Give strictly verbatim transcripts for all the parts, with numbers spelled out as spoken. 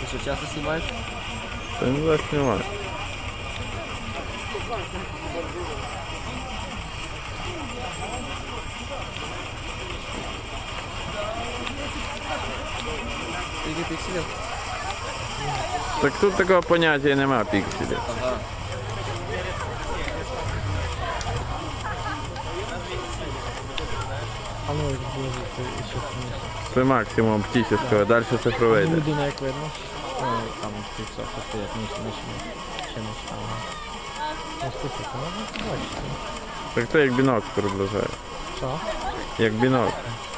Что, часто снимаешь? Да не знаю, снимаю. Скільки пікселів? Так тут такого поняття нема пікселів. Ага. А ну, як буде ще смішно. Це максимум оптичного, далі цифровий. йде. Людина як видно. Ой, там ці все, що стоять, ніч, ніч, ще ніч там. Ну, слухайте, можна побачити. Так це як бінокль приближає. Що? Як бінокль.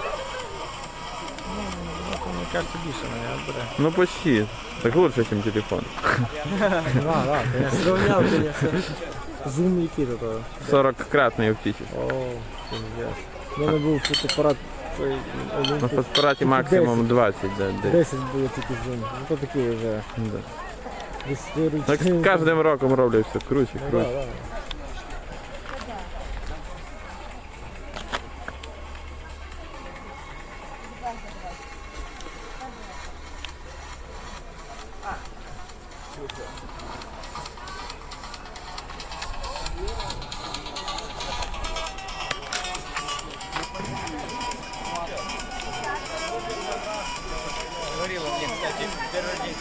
Ну, мені кажеться, більше мене бере. Ну почти. Так лучше, ніж телефон. Да, да, я сравняв, конечно. Зум який до того. сорок-кратний оптичний. О, пиздец. У мене був фотоапарат той На Олімпус. фотоапараті максимум двадцять. Да, де. десять було тільки зум. Ну то такий вже Да. історичний. Так з кожним роком роблять все круче, Ну, да, круче. да. Говорила мне, кстати, первый день.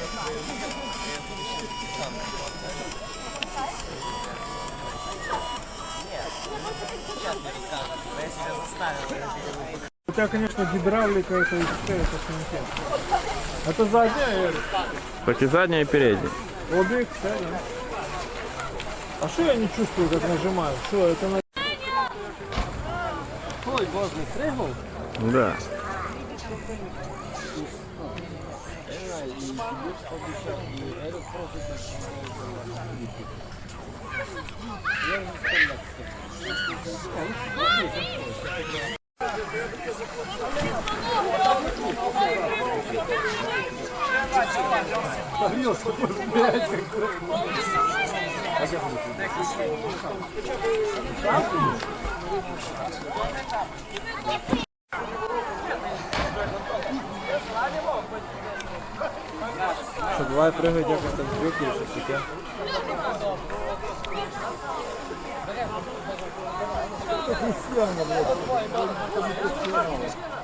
Сейчас мне расскажут, я себя заставил. У тебя, конечно, гидравлика, это и все, это комитет. Это задняя, я говорю. Так і задня, і передня. Обе, кстати. А что я не чувствую, как нажимаю? Что, это на... Ой, божий, пригол? Да. Что, бывает прыгать, я как-то в брюки или что-то таке. Это не съемно, блядь.